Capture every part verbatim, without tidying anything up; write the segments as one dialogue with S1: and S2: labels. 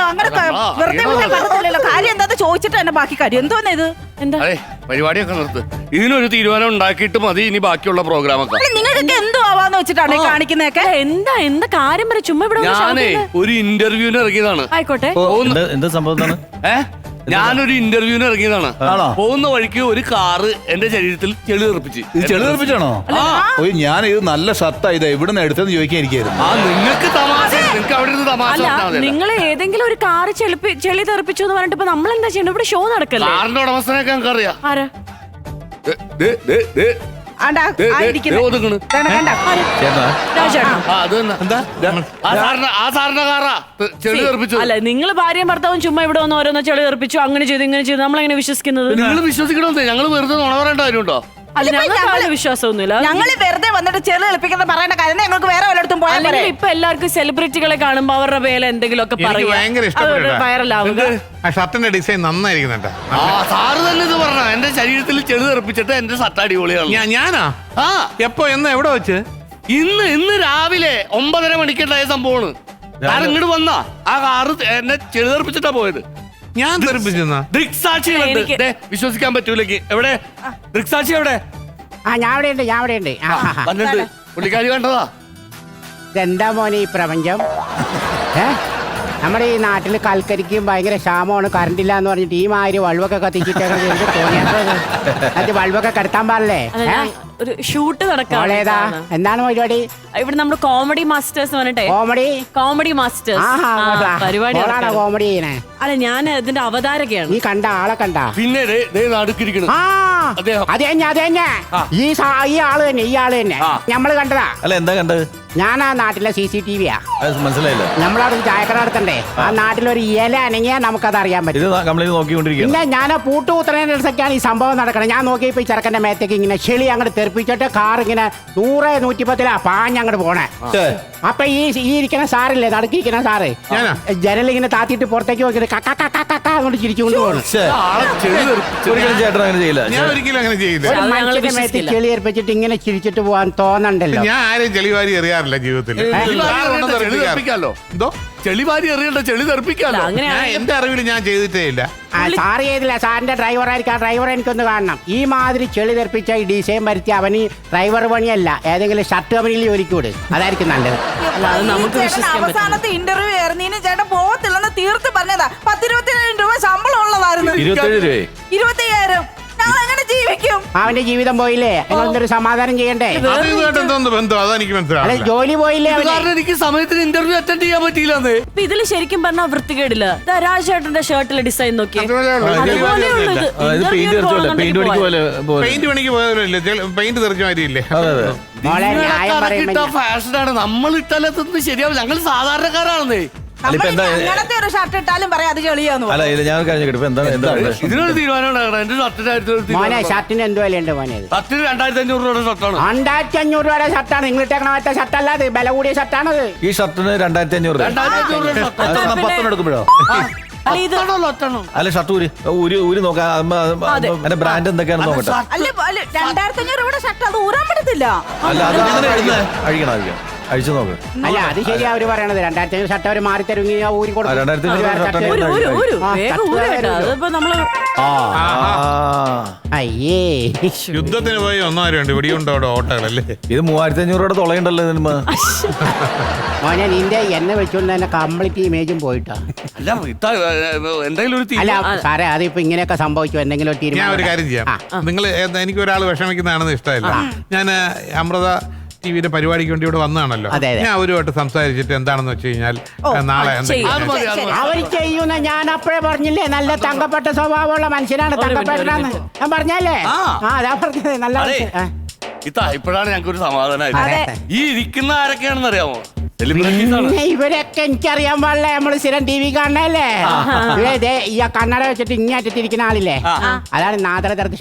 S1: അങ്ങനെ വെറുതെ വിട്ടാൽ പറ്റത്തില്ലല്ലോ. കാര്യം എന്താന്ന് ചോദിച്ചിട്ട് തന്നെ ബാക്കി കാര്യം എന്തോന്ന് ഇത് എന്താ
S2: പരിപാടിയൊക്കെ നിർത്ത്. ഇതിനൊരു തീരുമാനം ഉണ്ടാക്കിയിട്ട് മതി ഇനി ബാക്കിയുള്ള പ്രോഗ്രാം ഒക്കെ.
S1: നിങ്ങൾക്കൊക്കെ എന്തോ ആവാന്ന് വെച്ചിട്ടാണ് ഈ കാണിക്കുന്നതൊക്കെ.
S3: എന്താ എന്താ കാര്യം പറ ചുമ്മാ ഇവിടെ
S2: ഞാനേ ഒരു ഇന്റർവ്യൂവിന് ഇറങ്ങിയതാണ്.
S3: ആയിക്കോട്ടെ.
S4: എന്താ സംഭവം?
S2: ഏഹ് ഞാനൊരു ഇന്റർവ്യൂവിന് ഇറങ്ങിയതാണ്. പോകുന്ന വഴിക്ക് ഒരു കാറ് എന്റെ ശരീരത്തിൽ ചെളി തെറിപ്പിച്ച്.
S4: ഇത് ചെളി തെറിപ്പിച്ചാണോ? ഞാൻ ഇത് നല്ല ഷർട്ടാ ഇത് എവിടെ നിന്ന് എടുത്തെന്ന് ചോദിക്കാൻ ഇരിക്കായിരുന്നു.
S2: ആ നിങ്ങൾക്ക് തമാശ, നിങ്ങൾക്ക് അവിടെ ഇരുന്ന് തമാശ.
S3: നിങ്ങൾ ഏതെങ്കിലും ഒരു കാറ് ചെളി ചെളി തെറിപ്പിച്ചു എന്ന് പറഞ്ഞിട്ട് ഇപ്പൊ നമ്മൾ എന്താ ചെയ്യണ്ട? ഇവിടെ ഷോ നടക്കല്ലേ?
S2: കാറിന്റെ ഉടമസ്ഥനൊക്കെ നമുക്ക് അറിയാം.
S3: ആരാ? അല്ല നിങ്ങൾ ഭാര്യയും ഭർത്താവും ചുമ്മാ ഇവിടെ വന്ന് ഓരോന്നോ ചെളി തെറിപ്പിച്ചു, അങ്ങനെ ചെയ്തു ഇങ്ങനെ ചെയ്തു, നമ്മളെങ്ങനെ വിശ്വസിക്കുന്നത്?
S2: നിങ്ങൾ വിശ്വസിക്കണമെന്നേ. ഞങ്ങൾ വെറുതെ നുണ പറയേണ്ട കാര്യമുണ്ടോ?
S3: അല്ല ഞങ്ങൾക്ക് വിശ്വാസമൊന്നുമില്ല.
S1: ഞങ്ങൾ വെറുതെ വന്നിട്ട് ചെളി എളുപ്പിക്കുന്ന പറയേണ്ട കാര്യം ഞങ്ങൾക്ക് വേറെ വല്ലയിടത്തും പോയാൽ
S3: ഇപ്പൊ എല്ലാവർക്കും സെലിബ്രിറ്റികളെ കാണുമ്പോ അവരുടെ പേര് എന്തെങ്കിലുമൊക്കെ വൈറലാവുക.
S5: ഷർട്ടിന്റെ ഡിസൈൻ നന്നായിരിക്കുന്നുണ്ട്.
S2: ആ സാറ് തന്നെ ഇത് പറഞ്ഞ എന്റെ ശരീരത്തിൽ ചെളി തെറിപ്പിച്ചിട്ട് എന്റെ ഷർട്ട് അടിപൊളിയാണ്.
S5: ഞാനാ?
S2: ആ
S5: എപ്പോ എന്ന് എവിടെ വെച്ച്?
S2: ഇന്ന് ഇന്ന് രാവിലെ ഒമ്പതര മണിക്കുണ്ടായ സംഭവമാണ്. ഞാൻ ഇങ്ങോട്ട് വന്നാ ആ കാറ് എന്നെ ചെളി തെറിപ്പിച്ചിട്ടാ പോയത്.
S5: ഞാൻ തെറിപ്പിച്ചെന്നാ?
S2: ദൃക്സാക്ഷികളുണ്ട്. വിശ്വസിക്കാൻ പറ്റൂലെങ്കിൽ എവിടെ ദൃക്സാക്ഷി? എവിടെ?
S6: ആ ഞാൻ അവിടെ ഉണ്ട്, ഞാൻ അവിടെ ഉണ്ട്.
S2: വന്നിട്ട് പുള്ളിക്കാരി കണ്ടതാ.
S6: എന്താ മോനെ ഈ പ്രപഞ്ചം? ഏ നമ്മുടെ ഈ നാട്ടിൽ കൽക്കരിക്കും ഭയങ്കര ക്ഷാമമാണ്, കറണ്ട് ഇല്ല എന്ന് പറഞ്ഞിട്ട് ഈ മാതിരി വൾവൊക്കെ കത്തിച്ചിട്ടൊക്കെ തോന്നിയത് വൾവൊക്കെ കടത്താൻ പാടില്ലേ?
S3: ഒരു ഷൂട്ട് നടക്കാം.
S6: എന്താണ് പരിപാടി?
S3: ഇവിടെ നമ്മുടെ കോമഡി മാസ്റ്റേഴ്സ് പറഞ്ഞിട്ടെ.
S6: കോമഡി
S3: കോമഡി മാസ്റ്റേഴ്സ് പരിപാടിയാണ്.
S6: കോമഡി ചെയ്യണേ?
S3: അല്ല ഞാൻ ഇതിന്റെ അവതാരകയാണ്.
S6: നീ കണ്ട ആളെ കണ്ട?
S2: പിന്നെ നടുക്കിരിക്കണം.
S6: അതെ അതെ ഈ ഈ ആള് തന്നെ, ഈ ആള് തന്നെ ഞമ്മള് കണ്ടതാ.
S4: അല്ല എന്താ കണ്ടത്?
S6: ഞാൻ ആ നാട്ടിലെ സി സി ടി വിയാ.
S4: മനസ്സിലായില്ല.
S6: നമ്മളവിടെ ചായക്കട നടത്തണ്ടേ, ആ നാട്ടിലൊരു ഇല അനങ്ങിയാ നമുക്കത് അറിയാൻ പറ്റും. പിന്നെ ഞാൻ ആ പൂട്ടുകൂത്തുന്നതിനനുസരിച്ചാണ് ഈ സംഭവം നടക്കണം. ഞാൻ നോക്കിയപ്പോ ഈ ചെറുക്കന്റെ മേത്തേക്ക് ഇങ്ങനെ ചെളി അങ്ങോട്ട് തെറിപ്പിച്ചിട്ട് കാർ ഇങ്ങനെ നൂറ് നൂറ്റിപ്പത്തിലാ പാഞ്ഞങ്ങോട്ട് പോണേ. അപ്പൊ ഈ ഈ ഇരിക്കുന്ന സാറില്ലേ, നടുക്കിരിക്കുന്ന സാറ് ജനലിങ്ങനെ താത്തിട്ട് പുറത്തേക്ക് നോക്കിട്ട് കക്ക കക്ക കക്ക അങ്ങോട്ട് ചിരിച്ചുകൊണ്ട് പോകണം. മനുഷ്യന്റെ മേത്ത് ചെളി തെറിപ്പിച്ചിട്ട് ഇങ്ങനെ ചിരിച്ചിട്ട് പോവാൻ തോന്നണ്ടല്ലോ.
S5: ഞാൻ ആരെയും ചെളിവാരി എറിയാറില്ല ജീവിതത്തിൽ.
S2: എന്തോ ചെളിവാരി എറിയണ്ട, ചെളി തെറിപ്പിക്കാലോ.
S5: എന്റെ അറിവിൽ ഞാൻ ചെയ്തിട്ടേ ഇല്ല.
S6: സാറ് ചെയ്തില്ല, സാറിന്റെ ഡ്രൈവർ ആയിരിക്കും. ആ ഡ്രൈവർ എനിക്കൊന്ന് കാണണം. ഈ മാതിരി ചെളി തെറിപ്പിച്ച ഈ ഡിസൈൻ വരുത്തി അവന് ഡ്രൈവർ പണിയല്ല, ഏതെങ്കിലും ഷർട്ട് കമ്പനിയിൽ ജോലിക്ക് വിട്, അതായിരിക്കും നല്ലത്.
S1: അവസാനത്തെ ഇന്റർവ്യൂ ആയിരുന്നീന് ചേട്ടൻ പോകത്തില്ലെന്ന് തീർത്ത് പറഞ്ഞതാ. പത്തിരുപത്തിയേഴായിരം രൂപ ശമ്പളം ഉള്ളതായിരുന്നു. ഇരുപത്തിയ്യായിരം ഞങ്ങൾ എങ്ങനെ ജീവിക്കും?
S6: അവന്റെ ജീവിതം പോയില്ലേ, നിങ്ങളൊരു സമാധാനം ചെയ്യണ്ടേ? അല്ലെ ജോലി പോയില്ലേ?
S2: എനിക്ക് സമയത്തിന് ഇന്റർവ്യൂ അറ്റൻഡ് ചെയ്യാൻ പറ്റിയില്ല.
S3: ഇതില് ശരിക്കും പറഞ്ഞാൽ വൃത്തികേടില്ല. രാജേട്ടന്റെ ഷർട്ടിലെ ഡിസൈൻ നോക്കി
S5: പെയിന്റ് പണിക്ക് പോയതല്ലേ, പെയിന്റ് തെറിച്ച മാതിരിയില്ലേ?
S2: ഫാഷനാണ്, നമ്മൾ ഇട്ടാലത്തൊന്നും ശരിയാവും. ഞങ്ങൾ സാധാരണക്കാരാണെന്നേ.
S1: അങ്ങനത്തെ ഒരു ഷർട്ട് ഇട്ടാലും പറയാം അത് ചെളിയാന്ന്.
S2: ഇതിനൊരു തീരുമാനം.
S6: മോനെ ഷർട്ടിന് എന്ത് വിലയുണ്ട് മോനെ?
S2: ഷർട്ടിന് രണ്ടായിരത്തി അഞ്ഞൂറ് രൂപയുടെ ഷർട്ടാണ്.
S6: രണ്ടായിരത്തി അഞ്ഞൂറ് രൂപയുടെ ഷർട്ടാണ് നിങ്ങൾ ഇട്ടേക്കണ മറ്റേ ഷർട്ടല്ല, അത് വില കൂടിയ ഷർട്ടാണത്.
S4: ഈ ഷർട്ടിന് രണ്ടായിരത്തി അഞ്ഞൂറ് എടുക്കുമ്പോഴോ? അല്ല ഷർട്ട് ഊരി ഊരി ഊരി നോക്കാം, അതിന്റെ ബ്രാൻഡ് എന്തൊക്കെയാണെന്ന് നോക്കട്ടെ.
S1: രണ്ടായിരത്തി അഞ്ഞൂറ് രൂപയുടെ ഷർട്ട് അത് ഊരാൻ പറ്റത്തില്ല.
S4: അല്ല അത് അഴിക്കണം അഴിക്കണം അഴിച്ചു നോക്ക്.
S6: അല്ല അത് ശരിയാ അവര് പറയണത്. രണ്ടായിരത്തി അഞ്ഞൂറ് ഷർട്ട് അവര് മാറി തരുമെങ്കിൽ ഊരി കൊടുക്കും. അയ്യേ
S5: യുദ്ധത്തിന് പോയി ഒന്നാരുണ്ട് ഇവിടെയുണ്ടോ ഓട്ടകളല്ലേ?
S4: ഇത് മൂവായിരത്തി അഞ്ഞൂറ് രൂപയുടെ തുളയുണ്ടല്ലോ ഇതിന്.
S6: മോനെ നിന്റെ എന്നെ വെച്ചോണ്ട് തന്നെ കംപ്ലീറ്റ് ഇമേജും പോയിട്ടാ. അല്ല സാറേ അതിപ്പോ ഇങ്ങനെയൊക്കെ സംഭവിച്ചു, എന്തെങ്കിലും ഒരു
S5: തീരുമാനം. ഞാൻ ഒരു കാര്യം ചെയ്യാം, നിങ്ങൾ എനിക്ക് ഒരാൾ വിഷമിക്കുന്നതാണെന്ന് ഇഷ്ടമല്ല. ഞാൻ അമൃത ടിവിയുടെ പരിപാടിക്ക് വേണ്ടി ഇവിടെ വന്നതാണല്ലോ. ഞാൻ അവരുമായിട്ട് സംസാരിച്ചിട്ട് എന്താണെന്ന് വെച്ച് കഴിഞ്ഞാൽ നാളെ
S6: അവർ ചെയ്യുന്ന ഞാൻ അപ്പോഴേ പറഞ്ഞില്ലേ, നല്ല തങ്കപ്പെട്ട സ്വഭാവമുള്ള മനുഷ്യനാണ് തങ്കപ്പെട്ടെന്ന് ഞാൻ പറഞ്ഞല്ലേ. ആ അതാ പറഞ്ഞത്. നല്ല
S2: ഇതാ ഇപ്പോഴാണ് ഞങ്ങൾക്ക് ഒരു സമാധാനമായിട്ട്. ഈ ഇരിക്കുന്ന ആരൊക്കെയാണെന്ന് അറിയാമോ?
S6: ഇവരൊക്കെ എനിക്കറിയാൻ പാടില്ല. നമ്മള് സ്ഥിരം ടി വി കാണണല്ലേ. ഇതേ ഈ കണ്ണട വെച്ചിട്ട് ഇങ്ങാറ്റിട്ടിരിക്കുന്ന ആളില്ലേ, അതാണ് നാദരദർശ.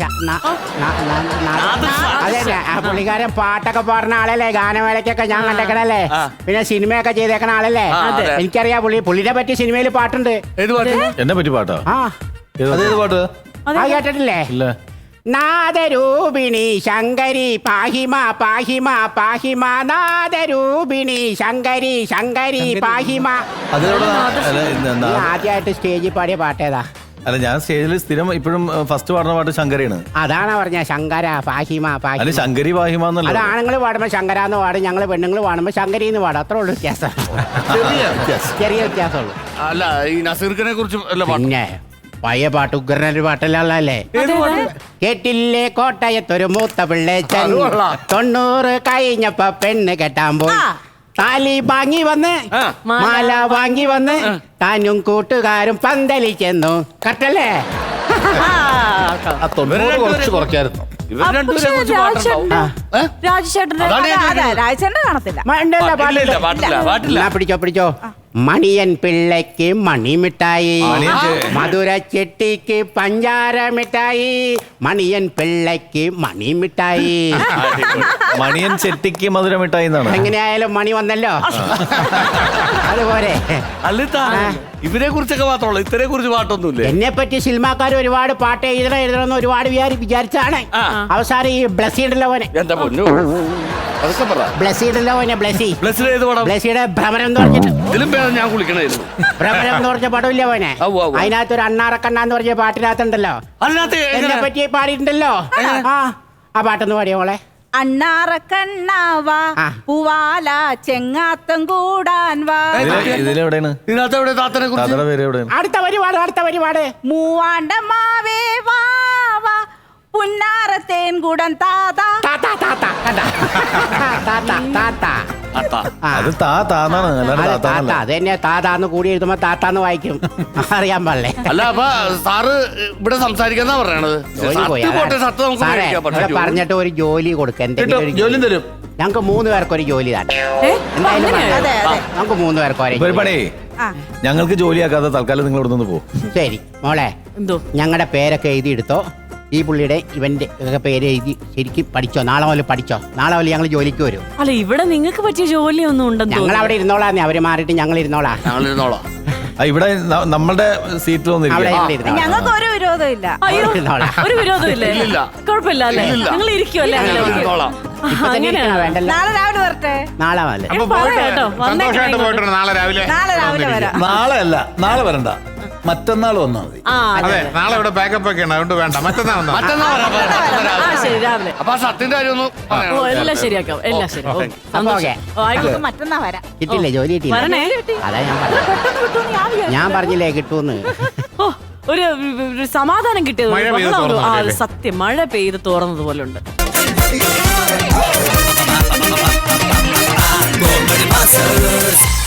S6: അതെ പുള്ളിക്കാരൻ പാട്ടൊക്കെ പാടുന്ന ആളല്ലേ, ഗാനമേളയ്ക്കൊക്കെ ഞാൻ കണ്ടേക്കണല്ലേ, പിന്നെ സിനിമയൊക്കെ ചെയ്തേക്കണ ആളല്ലേ. എനിക്കറിയാം പുള്ളി പുള്ളിനെ പറ്റി സിനിമയിൽ പാട്ടുണ്ട്.
S4: എന്നെ പറ്റി പാട്ടോ?
S6: ആ
S4: അതേത് പാട്ട്?
S6: ആ കേട്ടിട്ടില്ലേ? നാദരൂപിണി ശങ്കരി പാഹിമ പാഹിമ പാഹിമ നാദരൂപിണി ശങ്കരി ശങ്കരി പാഹിമ.
S4: അതിലൂടെ അല്ല,
S6: നീ
S4: നാ-
S6: ആദ്യമായിട്ട് സ്റ്റേജിൽ പാടിയ പാട്ടേതാ?
S4: അല്ല ഞാൻ സ്റ്റേജിൽ സ്ഥിരം ഇപ്പോഴും ഫസ്റ്റ് പാടുന്ന പാട്ട് ശങ്കരയാണ്.
S6: അതാണ് പറഞ്ഞ ശങ്കര പാഹിമ
S4: അല്ല
S6: പാഹിമ.
S4: ശങ്കരി വാഹിമാന്നല്ല.
S6: അത് ആണുങ്ങൾ പാടുമ്പോ ശങ്കര എന്ന് പാടും, ഞങ്ങൾ പെണ്ണുങ്ങൾ പാടുമ്പോ ശങ്കരി എന്ന് പാടും. അത്രേ ഉള്ളൂ വ്യത്യാസം.
S4: ചെറിയ വ്യത്യാസം.
S6: ചെറിയ വ്യത്യാസമുള്ളൂ.
S2: അല്ല ഈ നസീർഖനെ കുറിച്ച് അല്ല പാട്ട്.
S6: പിന്നെ പഴയ പാട്ട് ഉഗ്രനൊരു പാട്ടല്ലേ? കേട്ടില്ലേ കോട്ടയത്തൊരു മൂത്ത പിള്ളേച്ചൻ
S2: അത് കൊള്ളാം.
S6: തൊണ്ണൂറ് കഴിഞ്ഞപ്പോ പെണ്ണ് കെട്ടാൻ പോയി. താലി വാങ്ങി വന്ന്
S2: ആ.
S6: മാല വാങ്ങി വന്ന് താനും കൂട്ടുകാരും പന്തലിൽ ചെന്നു. കട്ടല്ലേ?
S4: ആ തൊണ്ണൂറ് കുറച്ച് കുറയ്ക്കായിരുന്നു.
S2: ഇവർ രണ്ടുപേരെ കുറിച്ച് പാട്ടുണ്ടാവും. ഏ?
S3: രാജേട്ടന്റെ
S2: അതാണ് ഞാൻ
S1: അതെ രാജേന്ദ്രൻ കാണത്തില്ല.
S6: മ- ഉണ്ടല്ലോ
S2: പാട്ടില്ല,
S6: പാട്ടില്.
S2: പാട്ടില്ല, പാട്ടില്ല.
S6: എന്നാ പിടിച്ചോ പിടിച്ചോ. മണിയൻ പിള്ളയ്ക്ക് മണിമിഠായി,
S4: മണിയൻ ചെ-
S6: മധുര ചെട്ടിക്ക് പഞ്ചാര മിഠായി, മണിയൻ പിള്ളയ്ക്ക് മണിമിഠായി.
S4: മണിയൻ ചെട്ടിക്ക് മധുരമിട്ടായി എന്നാണ്.
S6: എങ്ങനെയായാലും മണി വന്നല്ലോ. അതുപോലെ
S2: അല്ലിത്താ ഇവരെ കുറിച്ചൊക്കെ മാത്രമല്ല ഇത്തരെ കുറിച്ച് പാട്ടൊന്നുമില്ലേ?
S6: എന്നെ പറ്റി സിനിമാക്കാർ ഒരുപാട് പാട്ട് എഴുതണം എഴുതണം ഒരുപാട് വിചാരി വിചാരിച്ചാണ്
S2: ആ.
S6: അവസാനം ഈ ബ്ലസ്സി ഉണ്ടല്ലോ മോനെ,
S2: എന്താ പൊന്നു അതൊക്കെ പറ.
S6: ബ്ലസ്സി ഉണ്ടല്ലോ മോനെ, ബ്ലസ്സി
S2: ബ്ലസ്സിൽ ഏത് പടം?
S6: ബ്ലസ്സിയുടെ ഭ്രമരം എന്ന് പറഞ്ഞിട്ട്
S2: ഇതിലും പേര് ഞാൻ കുളിക്കണായിരുന്നു.
S6: ഭ്രമരം എന്ന് പറഞ്ഞ പടമില്ല മോനെ,
S2: ആ, ഉവ്വ് ഉവ്വ്.
S6: അതിനകത്ത് ഒരു അണ്ണാറക്കണ്ണ എന്ന് പറഞ്ഞ പാട്ടിനകത്തുണ്ടല്ലോ
S2: അതിനകത്ത്
S6: എന്നെ
S2: എങ്ങനെ?
S6: പറ്റി പാടിയിട്ടുണ്ടല്ലോ. ആ ആ പാട്ടൊന്ന് പാടിയോ മോളെ.
S1: അണ്ണാറ കണ്ണാവാ
S6: ആ.
S1: പൂവാല ചെങ്ങാത്തം കൂടാൻ വാ.
S4: ഇതില് ഇതിലെവിടെയാണ്
S2: ഇതിനകത്ത് എവിടെ താത്തനെ കുറിച്ച്?
S4: താത്തയുടെ പേര് എവിടെയാണ്?
S6: അടുത്ത പരിപാട് അടുത്ത പരിപാട്
S1: മൂവാണ്ട മാവേ വാ വാ പുന്നാരത്തേൻ കൂടൻ താതാ.
S6: താത്ത താത്ത കണ്ട താത്ത താത്ത
S2: അത്താ.
S6: ആ.
S4: അത് താ താന്നാണ് അല്ലാണ്ട്
S6: അത് താത്ത
S4: താത്താന്നല്ല.
S6: അത് തന്നെ താത്താന്ന് കൂടി എഴുതുമ്പോ താത്താന്ന് വായിക്കും. അറിയാൻ പാടില്ലേ?
S2: അല്ല അപ്പൊ സാറ് ഇവിടെ സംസാരിക്കാന്നാ പറയണത്.
S6: ജോലി പോയി.
S2: സത്യം പോട്ടെ, സത്യം നമുക്ക്
S6: സാറേ,
S2: മേടിക്കാം. പക്ഷേ
S6: ഇവിടെ പറഞ്ഞിട്ട് ഒരു ജോലി കൊടുക്ക, എന്തെങ്കിലും ഒരു
S4: ജോലി തരും.
S6: ഞങ്ങൾക്ക് മൂന്ന് പേർക്ക് ഒരു ജോലി തന്നെ.
S3: ഏ?
S6: എന്തായാലും
S3: അങ്ങനെയായോ?
S1: അതെ അതെ
S6: നമുക്ക് മൂന്ന് പേർക്ക് ഒരേ
S4: ഇപ്പൊ ഒരു
S6: ജോലി.
S4: പണി
S1: ആ.
S4: ഞങ്ങൾക്ക് ജോലിയാക്കാതെ തൽക്കാലം നിങ്ങൾ ഇവിടെ നിന്ന് പോകും.
S6: ശരി മോളെ,
S3: എന്തോ
S6: ഞങ്ങളുടെ പേരൊക്കെ എഴുതി എടുത്തോ. ഈ പുള്ളിയുടെ ഇവന്റെ ഒക്കെ പേര് എഴുതി ശരിക്കും പഠിച്ചോ. നാളെ മുതൽ പഠിച്ചോ. നാളെ മുതൽ ഞങ്ങൾ ജോലിക്ക് വരും.
S3: അല്ല ഇവിടെ നിങ്ങൾക്ക് പറ്റിയ ജോലിയൊന്നും ഉണ്ടെന്ന്
S6: ഞങ്ങൾ
S3: തോന്നുന്നു.
S6: അവിടെ ഇരുന്നോളാന്നേ, അവര് മാറിയിട്ട് ഞങ്ങൾ ഇരുന്നോളാം.
S2: ഞങ്ങളിരുന്നോളാം.
S4: ആ, ഇവിടെ ന- നമ്മളുടെ സീറ്റിൽ
S6: അവിടെ
S4: വന്നിരിക്കും.
S6: ഞങ്ങൾ ഇരുന്നോളാം.
S1: ഞങ്ങൾക്ക് ഒരു വിരോധം ഇല്ല.
S3: അയ്യോ
S6: ഇരുന്നോളാം.
S3: ഒരു വിരോധമില്ലേ?
S2: ഇല്ലില്ല.
S3: കുഴപ്പമില്ല അല്ലേ?
S2: ഇല്ലില്ല.
S3: നിങ്ങൾ ഇരിക്കുമല്ലേ?
S6: ഞങ്ങൾ
S3: അങ്ങനെ?
S2: ഇരുന്നോളാം.
S3: ആ,
S6: ഇപ്പൊ തന്നെ
S3: അങ്ങനെയാണോ?
S6: ഇരിക്കണോ? വേണ്ടല്ലോ.
S1: നാളെ രാവിലെ വരട്ടെ.
S6: നാളെ മുതൽ
S5: അപ്പൊ
S3: പറയാം
S5: പോയിട്ട്
S3: കേട്ടോ, വന്നേക്കണം
S5: സന്തോഷമായിട്ട്
S3: ഇങ്ങോട്ട്.
S5: പോയിട്ട് നാളെ രാവിലെ
S1: നാളെ രാവിലെ വരാം.
S4: നാളെ അല്ല, നാളെ വരണ്ട, മറ്റന്നാൾ വന്നാൽ മതി.
S3: ആ അതെ.
S5: അതെ നാളെ ഇവിടെ ബാക്കപ്പ് ഒക്കെ ഉണ്ട് അതുകൊണ്ട് വേണ്ട മറ്റന്നാ വന്നാ മതി.
S2: മറ്റന്നാ വരാം, മറ്റന്നാ
S3: ആ
S2: രാവിലെ.
S3: ശരി രാവിലെ.
S2: അപ്പൊ ആ സത്യന്റെ കാര്യം ഒന്ന്
S3: ഓ
S2: പറയണം.
S3: എല്ലാം ശരിയാക്കാം, എല്ലാം ശരി. ഓ,
S6: അപ്പൊ
S3: സന്തോഷം.
S6: ഓക്കേ.
S3: ഓ, ആയിക്കോട്ടെ.
S1: നമുക്ക് മറ്റന്നാ വരാം.
S6: കിട്ടില്ലേ? ജോലി കിട്ടിയില്ല.
S3: വരണേ.
S6: അതാ ഞാൻ പറഞ്ഞത്.
S1: പെട്ടെന്ന് കിട്ടുമെന്ന് ഞാൻ വിചാരിച്ചു.
S6: ഞാൻ പറഞ്ഞില്ലേ കിട്ടൂന്ന്.
S3: ഓ ഒരു ഒരു സമാധാനം കിട്ടിയത്.
S5: മഴ പെയ്ത്
S3: ബഹളം ഒന്നും- ആ,
S5: തോർന്നതല്ലേ?
S3: സത്യം മഴ പെയ്ത് തോർന്നത് പോലെ ഉണ്ട്.
S7: Comedy Masters.